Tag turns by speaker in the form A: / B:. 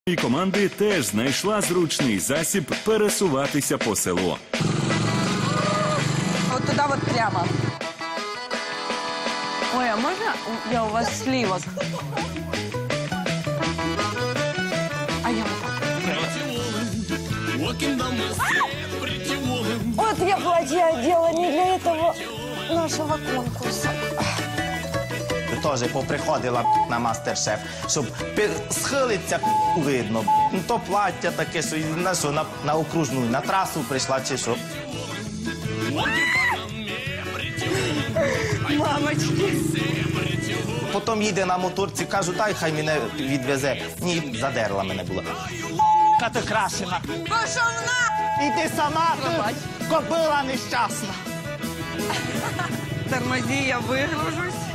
A: І команди теж знайшла зручний засіб пересуватися по селу.
B: Вот туда вот прямо. Ой, а можно я у вас сливок? А я вот так. Вот я платье одела не для этого нашего конкурса.
C: Теж поприходила на мастер-шеф, щоб схилиться видно. Ну, то плаття таке, що на окружну, на трасу прийшла чи що.
B: Мамочки.
C: Потім їде на моторці, кажу, дай хай мене відвезе. Ні, задерла мене була.
D: Ти крашена.
B: Пошел на!
D: Іди сама, ти кобила нещасна.
B: Тормози, я выгружусь.